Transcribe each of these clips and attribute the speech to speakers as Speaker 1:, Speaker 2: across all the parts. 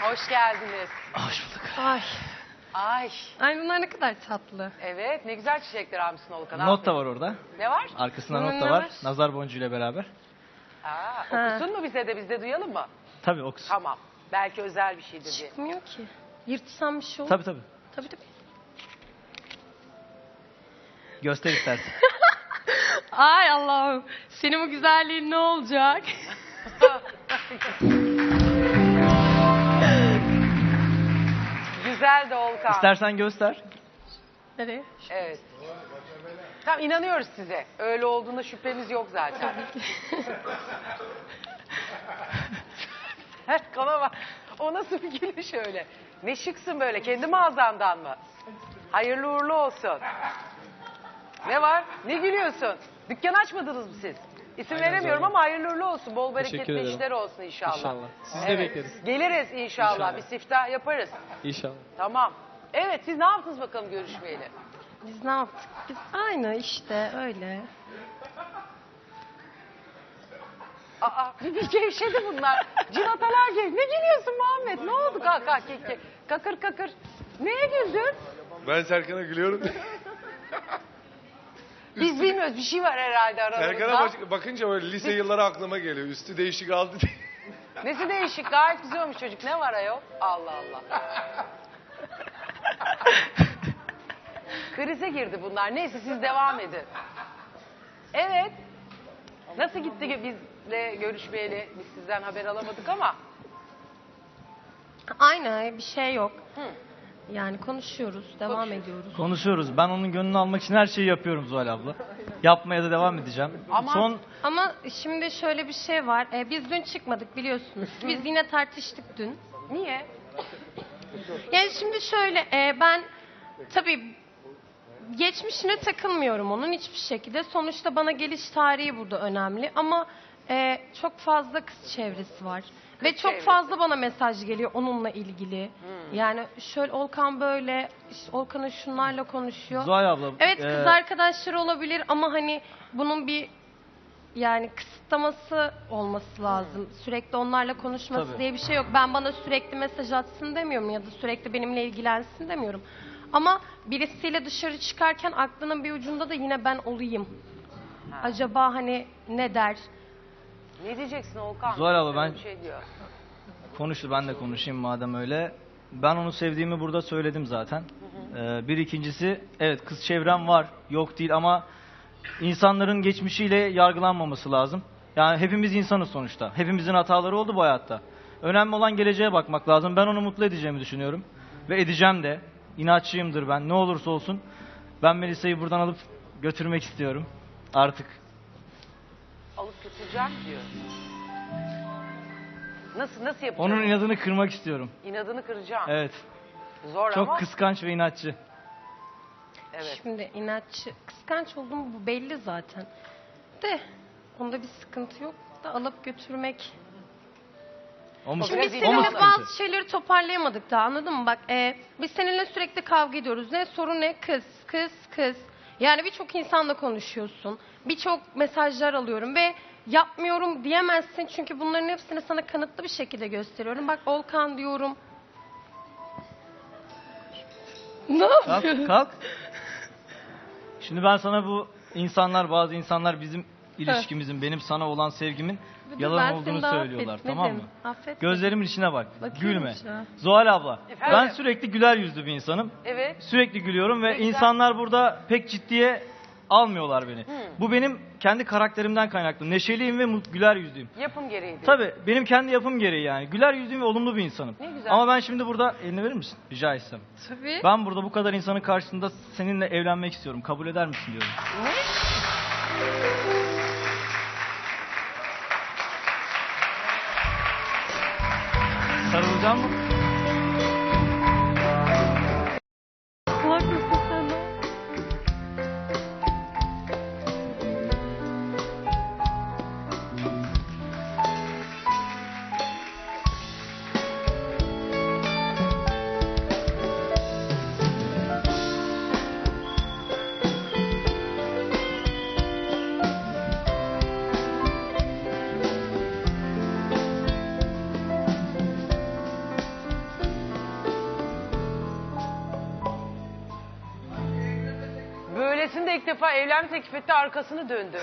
Speaker 1: Hoş geldiniz.
Speaker 2: Hoş bulduk.
Speaker 3: Ay.
Speaker 1: Ay.
Speaker 3: Ay bunlar ne kadar tatlı.
Speaker 1: Evet, ne güzel çiçekler almışsın Olkan.
Speaker 2: Not da var orada.
Speaker 1: Ne var?
Speaker 2: Arkasında
Speaker 3: Bunun
Speaker 2: not da
Speaker 3: ne
Speaker 2: var.
Speaker 3: var?
Speaker 2: Nazar boncuğuyla beraber.
Speaker 1: Okusun mu bize de, biz de duyalım mı?
Speaker 2: Tabii okusun.
Speaker 1: Tamam. Belki özel bir şeydir diye.
Speaker 3: Çıkmıyor ki. Yırtsam bir şey olur.
Speaker 2: Tabii.
Speaker 3: Tabii.
Speaker 2: Göster istersen.
Speaker 3: Ay Allah'ım. Senin bu güzelliğin ne olacak?
Speaker 1: Güzel de Olkan.
Speaker 2: İstersen göster.
Speaker 3: Nereye?
Speaker 1: Evet. Tamam, inanıyoruz size. Öyle olduğunda şüphemiz yok zaten. Kana bak. O nasıl bir gülüş öyle? Ne şıksın böyle. Kendi mağazandan mı? Hayırlı uğurlu olsun. Ne var? Ne gülüyorsun? Dükkan açmadınız mı siz? İsim veremiyorum ama hayırlı uğurlu olsun. Bol bereketli
Speaker 4: Teşekkür ederim.
Speaker 1: işler olsun inşallah.
Speaker 4: İnşallah. Sizi de bekleriz.
Speaker 1: Geliriz inşallah.
Speaker 4: İnşallah.
Speaker 1: Bir siftah yaparız.
Speaker 4: İnşallah.
Speaker 1: Tamam. Evet, siz ne yaptınız bakalım görüşmeyeli?
Speaker 3: Biz ne yaptık? Biz aynı işte öyle.
Speaker 1: Aa, bir gevşedi bunlar. Cinatalar gibi. Ne gülüyorsun Muhammed? Ne oldu kaka keke? Kakır kakır. Neye güldün?
Speaker 5: Ben Serkan'a gülüyorum.
Speaker 1: Biz bilmiyoruz. Bir şey var herhalde aramızda.
Speaker 5: Serkan'a bakınca öyle lise yılları aklıma geliyor. Üstü değişik aldı diye.
Speaker 1: Nesi değişik? Gayet güzel olmuş çocuk. Ne var ayol? Allah Allah. Krize girdi bunlar. Neyse siz devam edin. Evet. Nasıl gitti ki bizle görüşmeyeli? Biz sizden haber alamadık ama.
Speaker 3: Aynı bir şey yok. Yani konuşuyoruz, devam ediyoruz.
Speaker 2: Konuşuyoruz. Ben onun gönlünü almak için her şeyi yapıyorum Zuhal abla. Yapmaya da devam edeceğim.
Speaker 1: Ama-
Speaker 3: Ama şimdi şöyle bir şey var. Biz dün çıkmadık biliyorsunuz. Biz yine tartıştık dün.
Speaker 1: Niye?
Speaker 3: Yani şimdi şöyle ben tabii geçmişine takılmıyorum onun hiçbir şekilde. Sonuçta bana geliş tarihi burada önemli ama çok fazla kız çevresi var. Ve çok
Speaker 1: çevresi.
Speaker 3: fazla bana mesaj geliyor onunla ilgili. Yani şöyle Olkan böyle, işte Olkan'ın şunlarla konuşuyor.
Speaker 2: Zuhal abla.
Speaker 3: Evet kız arkadaşları olabilir ama hani bunun bir yani kısıtlaması olması lazım. Sürekli onlarla konuşması
Speaker 2: Tabii.
Speaker 3: diye bir şey yok. Ben bana sürekli mesaj atsın demiyorum ya da sürekli benimle ilgilensin demiyorum. Ama birisiyle dışarı çıkarken aklının bir ucunda da yine ben olayım. Acaba hani ne der?
Speaker 1: Ne diyeceksin Olkan?
Speaker 2: Zuhal abla,
Speaker 1: Sana
Speaker 2: ben-
Speaker 1: bir şey diyor.
Speaker 2: Konuştu, ben de konuşayım madem öyle. Ben onu sevdiğimi burada söyledim zaten. Bir ikincisi, evet kız çevrem var, yok değil ama insanların geçmişiyle yargılanmaması lazım. Yani hepimiz insanız sonuçta. Hepimizin hataları oldu bu hayatta. Önemli olan geleceğe bakmak lazım. Ben onu mutlu edeceğimi düşünüyorum. Ve edeceğim de. İnatçıyımdır ben. Ne olursa olsun. Ben Melisa'yı buradan alıp götürmek istiyorum. Artık.
Speaker 1: Alıp götüreceğim diyor. Nasıl yapacağım?
Speaker 2: Onun inadını kırmak istiyorum.
Speaker 1: İnadını kıracağım.
Speaker 2: Evet.
Speaker 1: Zor
Speaker 2: Çok
Speaker 1: ama.
Speaker 2: kıskanç ve inatçı.
Speaker 1: Evet.
Speaker 3: Şimdi inatçı, kıskanç olduğum bu belli zaten. De onda bir sıkıntı yok da alıp götürmek.
Speaker 2: O mu,
Speaker 3: Şimdi biz
Speaker 1: Biraz
Speaker 2: o mu
Speaker 3: seninle
Speaker 2: sıkıntı?
Speaker 3: bazı şeyleri toparlayamadık daha anladın mı? Bak biz seninle sürekli kavga ediyoruz. Ne sorun ne? Kız. Yani birçok insanla konuşuyorsun. Birçok mesajlar alıyorum ve yapmıyorum diyemezsin. Çünkü bunların hepsini sana kanıtlı bir şekilde gösteriyorum. Bak Olkan diyorum. Ne yapıyorsun?
Speaker 2: Kalk. Şimdi ben sana bu bazı insanlar bizim ilişkimizin, benim sana olan sevgimin
Speaker 3: Ben
Speaker 2: yalan
Speaker 3: seni
Speaker 2: olduğunu
Speaker 3: daha
Speaker 2: söylüyorlar,
Speaker 3: affetmedim.
Speaker 2: tamam mı?
Speaker 3: Affetmedim.
Speaker 2: Gözlerimin içine bak,
Speaker 3: Bakıyorum
Speaker 2: gülme.
Speaker 3: şu an.
Speaker 2: Zuhal abla,
Speaker 1: Efendim?
Speaker 2: ben sürekli güler yüzlü bir insanım.
Speaker 1: Evet.
Speaker 2: Sürekli gülüyorum ve
Speaker 1: Ne güzel.
Speaker 2: insanlar burada pek ciddiye almıyorlar beni. Bu benim kendi karakterimden kaynaklı. Neşeliyim ve güler yüzlüyüm.
Speaker 1: Yapım gereği diyor.
Speaker 2: Tabii benim kendi yapım gereği yani. Güler yüzlüyüm ve olumlu bir insanım.
Speaker 1: Ne güzel.
Speaker 2: Ama ben şimdi burada, elini verir misin? Rica etsem.
Speaker 3: Tabii.
Speaker 2: Ben burada bu kadar insanın karşısında seninle evlenmek istiyorum. Kabul eder misin diyorum.
Speaker 1: Ne?
Speaker 2: Sarılacağım mı?
Speaker 3: Kulak mısın sen de?
Speaker 1: Melisa ilk defa evlenme teklif etti, arkasını döndü.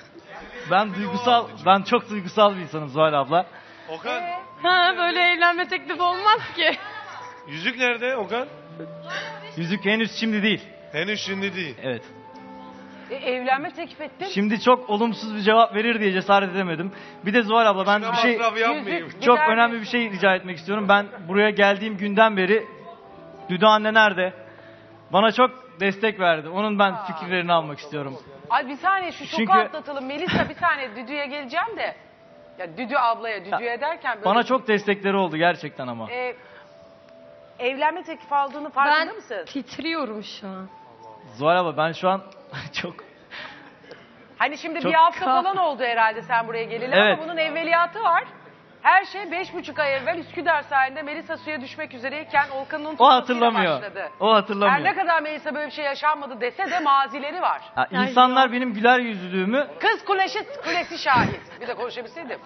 Speaker 2: Ben çok duygusal bir insanım Zuhal abla.
Speaker 5: Okan,
Speaker 3: Ha, böyle evlenme teklifi olmaz ki.
Speaker 5: yüzük nerede Okan?
Speaker 2: Yüzük henüz şimdi değil.
Speaker 5: Henüz şimdi değil.
Speaker 2: Evet.
Speaker 1: Evlenme teklif ettin.
Speaker 2: Şimdi çok olumsuz bir cevap verir diye cesaret edemedim. Bir de Zuhal abla ben
Speaker 5: Ben
Speaker 2: bir şey
Speaker 5: masraf yapmayayım.
Speaker 1: Yüzük-
Speaker 2: çok
Speaker 1: Gider
Speaker 2: önemli bir
Speaker 1: misin?
Speaker 2: şey rica etmek istiyorum. Ben buraya geldiğim günden beri Düdü anne nerede? Bana çok destek verdi. Onun ben fikirlerini almak istiyorum.
Speaker 1: Ay bir saniye şu şoku
Speaker 2: Çünkü-
Speaker 1: atlatalım. Melisa bir saniye Düdü'ye geleceğim de. Ya Düdü ablaya, Düdü'ye derken böyle...
Speaker 2: Bana çok destekleri oldu gerçekten ama.
Speaker 1: Evlenme teklifi aldığını farkında
Speaker 3: Ben
Speaker 1: mısın?
Speaker 3: titriyorum şu an.
Speaker 2: Zuhal abla ben şu an çok
Speaker 1: Hani şimdi
Speaker 2: Çok
Speaker 1: bir hafta
Speaker 3: kah-
Speaker 1: falan oldu herhalde sen buraya geleli
Speaker 2: Evet.
Speaker 1: ama bunun evveliyatı var. Her şey 5,5 ay evvel Üsküdar sahilinde Melisa suya düşmek üzereyken Olkan'ın
Speaker 2: o
Speaker 1: tutmasıyla
Speaker 2: hatırlamıyor.
Speaker 1: başladı.
Speaker 2: O hatırlamıyor.
Speaker 1: Her ne kadar Melisa böyle bir şey yaşanmadı dese de mazileri var.
Speaker 2: Ha, insanlar benim güler yüzlülüğümü
Speaker 1: Kız kulesi şahit. Bir de konuşabilseydim.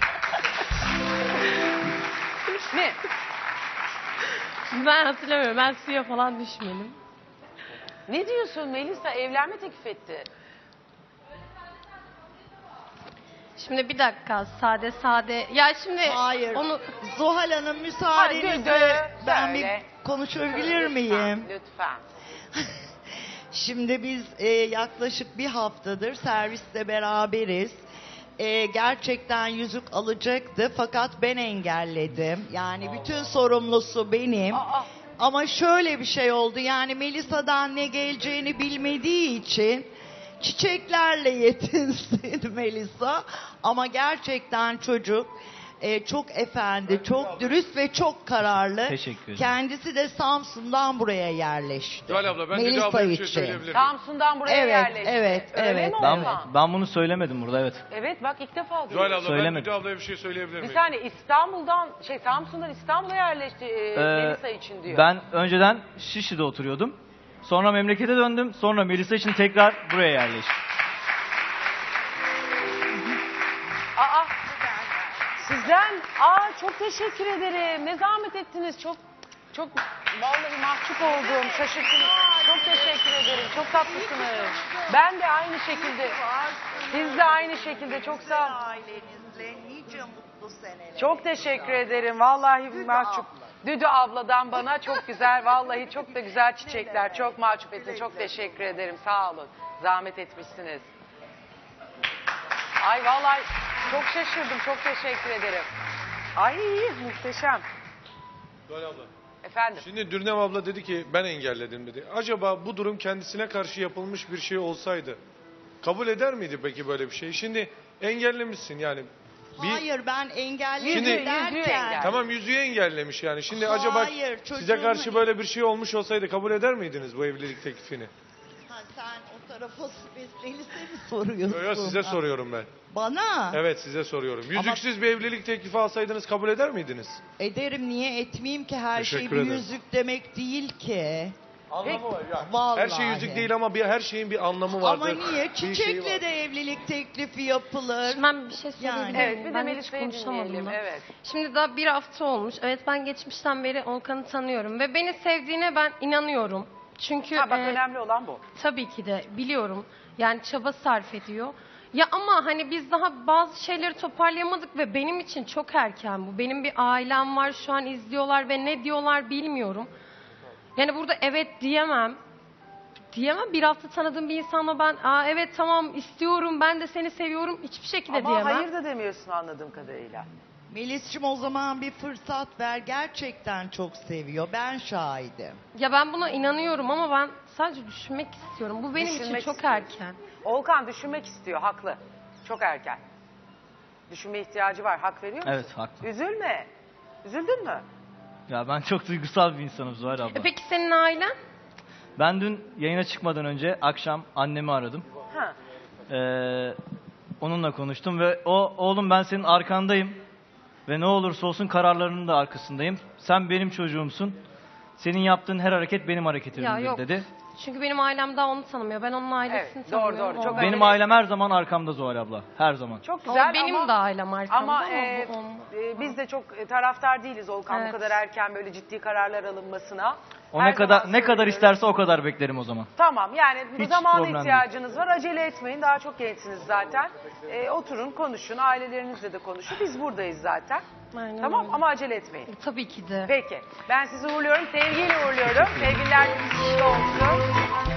Speaker 1: Ne?
Speaker 3: Ben hatırlamıyorum. Ben suya falan düşmedim.
Speaker 1: Ne diyorsun Melisa? Evlenme teklif etti.
Speaker 3: Şimdi bir dakika sade. Ya şimdi
Speaker 4: Hayır.
Speaker 3: onu
Speaker 4: Zuhal Hanım
Speaker 1: Hadi,
Speaker 4: müsaadenizle ben
Speaker 1: söyle.
Speaker 4: bir konuşabilir miyim?
Speaker 1: Lütfen.
Speaker 4: Şimdi biz yaklaşık bir haftadır serviste beraberiz. Gerçekten yüzük alacaktı fakat ben engelledim. Yani bütün sorumlusu benim.
Speaker 1: Aa,
Speaker 4: Ama şöyle bir şey oldu, yani Melisa'dan ne geleceğini bilmediği için çiçeklerle yetinsin Melisa. Ama gerçekten çocuk çok efendi, çok dürüst ve çok kararlı.
Speaker 2: Teşekkür ederim.
Speaker 4: Kendisi de Samsun'dan buraya yerleşti.
Speaker 5: Zuhal abla ben Düdü
Speaker 4: Melisa
Speaker 5: ablaya bir şey
Speaker 4: için.
Speaker 5: söyleyebilir miyim?
Speaker 1: Samsun'dan buraya
Speaker 4: Evet,
Speaker 1: yerleşti.
Speaker 4: evet,
Speaker 1: Öyle
Speaker 4: evet.
Speaker 1: mi
Speaker 2: ben
Speaker 1: Olkan?
Speaker 2: ben bunu söylemedim burada evet.
Speaker 1: Evet bak ilk defa
Speaker 5: Zuhal
Speaker 1: duyuyorum.
Speaker 5: abla ben
Speaker 2: Söylemedim.
Speaker 5: Düdü ablaya bir şey söyleyebilir
Speaker 1: Bir
Speaker 5: miyim?
Speaker 1: saniye Samsun'dan İstanbul'a yerleşti Melisa için diyor.
Speaker 2: Ben önceden Şişli'de oturuyordum. Sonra memlekete döndüm. Sonra Melisa için tekrar buraya yerleştim.
Speaker 1: Aa, sizden çok teşekkür ederim. Ne zahmet ettiniz. Çok vallahi mahcup oldum. Şaşırttınız. Çok teşekkür ederim. Çok tatlısınız. Ben de aynı şekilde. Siz de aynı şekilde. Çok sağ olun.
Speaker 4: Ailenizle nice mutlu seneler.
Speaker 1: Çok teşekkür ederim. Vallahi mahcup. Düdü abladan bana çok güzel, vallahi çok da güzel çiçekler. Çok mahcup ettin. Çok teşekkür ederim. Sağ olun. Zahmet etmişsiniz. Ay vallahi çok şaşırdım. Çok teşekkür ederim. Ay muhteşem.
Speaker 5: Zuhal abla.
Speaker 1: Efendim.
Speaker 5: Şimdi Dürnem abla dedi ki ben engelledim dedi. Acaba bu durum kendisine karşı yapılmış bir şey olsaydı kabul eder miydi peki böyle bir şey? Şimdi engellemişsin yani.
Speaker 4: Hayır, ben engelledim
Speaker 1: Yüzüğü
Speaker 4: derken.
Speaker 1: engel.
Speaker 5: Tamam yüzüğü engellemiş yani. Şimdi
Speaker 4: Hayır,
Speaker 5: acaba
Speaker 4: çocuğumu-
Speaker 5: size karşı böyle bir şey olmuş olsaydı kabul eder miydiniz bu evlilik teklifini?
Speaker 4: Ha, sen o tarafa Melisa'ya mi soruyorsun?
Speaker 5: Yok size soruyorum ben.
Speaker 4: Bana?
Speaker 5: Evet size soruyorum. Yüzüksüz bir evlilik teklifi alsaydınız kabul eder miydiniz?
Speaker 4: Ederim, niye etmeyeyim ki? Her şey
Speaker 5: Teşekkür
Speaker 4: bir
Speaker 5: ederim.
Speaker 4: yüzük demek değil ki.
Speaker 5: Anlamı var ya.
Speaker 4: Vallahi.
Speaker 5: Her şey yüzük değil ama her şeyin bir anlamı vardır.
Speaker 4: Ama niye?
Speaker 5: Bir şeyi
Speaker 4: Çiçekle
Speaker 5: var.
Speaker 4: de evlilik teklifi yapılır.
Speaker 3: Şimdi ben bir şey söyleyebilir miyim?
Speaker 1: Evet bir de
Speaker 3: Ben hiç
Speaker 1: Melisa'yı
Speaker 3: konuşamadım
Speaker 1: dinleyelim.
Speaker 3: da.
Speaker 1: Evet.
Speaker 3: Şimdi daha bir hafta olmuş. Evet ben geçmişten beri Olkan'ı tanıyorum ve beni sevdiğine ben inanıyorum. Çünkü
Speaker 1: Ha, bak önemli olan bu.
Speaker 3: tabii ki de biliyorum. Yani çaba sarf ediyor. Ya ama hani biz daha bazı şeyleri toparlayamadık ve benim için çok erken bu. Benim bir ailem var şu an izliyorlar ve ne diyorlar bilmiyorum. Yani burada evet diyemem. Bir hafta tanıdığım bir insanla ben evet tamam istiyorum ben de seni seviyorum hiçbir şekilde
Speaker 1: Ama
Speaker 3: diyemem.
Speaker 1: hayır da demiyorsun anladığım kadarıyla.
Speaker 4: Melis'cim o zaman bir fırsat ver. Gerçekten çok seviyor. Ben şahidim.
Speaker 3: Ya ben buna inanıyorum ama ben sadece düşünmek istiyorum. Bu benim
Speaker 1: Düşünmek
Speaker 3: için çok
Speaker 1: istiyorsun.
Speaker 3: erken.
Speaker 1: Volkan düşünmek istiyor, haklı. Çok erken. Düşünme ihtiyacı var, hak veriyor musun?
Speaker 2: Evet haklı.
Speaker 1: Üzülme. Üzüldün mü?
Speaker 2: Ya ben çok duygusal bir insanım Zuhal abla.
Speaker 3: Peki senin ailen?
Speaker 2: Ben dün yayına çıkmadan önce akşam annemi aradım.
Speaker 1: Ha.
Speaker 2: Onunla konuştum ve oğlum ben senin arkandayım ve ne olursa olsun kararlarının da arkasındayım. Sen benim çocuğumsun. Senin yaptığın her hareket benim
Speaker 3: Ya
Speaker 2: hareketimdir
Speaker 3: yok.
Speaker 2: dedi.
Speaker 3: Çünkü benim ailem daha onu tanımıyor. Ben onun ailesini
Speaker 1: Evet, doğru,
Speaker 3: tanımıyorum.
Speaker 1: doğru. Çok
Speaker 3: O-
Speaker 1: önemli.
Speaker 2: Benim ailem her zaman arkamda Zuhal abla. Her zaman.
Speaker 1: Çok
Speaker 3: o
Speaker 1: güzel
Speaker 3: benim
Speaker 1: ama,
Speaker 3: de ailem arkamda
Speaker 1: ama
Speaker 3: ama, bu olmaz.
Speaker 1: biz de çok taraftar değiliz Volkan bu
Speaker 3: Evet.
Speaker 1: kadar erken böyle ciddi kararlar alınmasına.
Speaker 2: O
Speaker 1: Her
Speaker 2: ne kadar
Speaker 1: zaman
Speaker 2: ne kadar
Speaker 1: söylüyorum.
Speaker 2: isterse o kadar beklerim o zaman.
Speaker 1: Tamam yani bu
Speaker 2: Hiç
Speaker 1: zamana
Speaker 2: problem
Speaker 1: ihtiyacınız var. Acele etmeyin. Daha çok gençsiniz zaten. Oturun konuşun. Ailelerinizle de konuşun. Biz buradayız zaten.
Speaker 3: Aynen
Speaker 1: Tamam
Speaker 3: öyle.
Speaker 1: ama acele etmeyin.
Speaker 3: Tabii ki de.
Speaker 1: Peki. Ben sizi uğurluyorum. Sevgiyle uğurluyorum. Sevgililer gününüz kutlu olsun.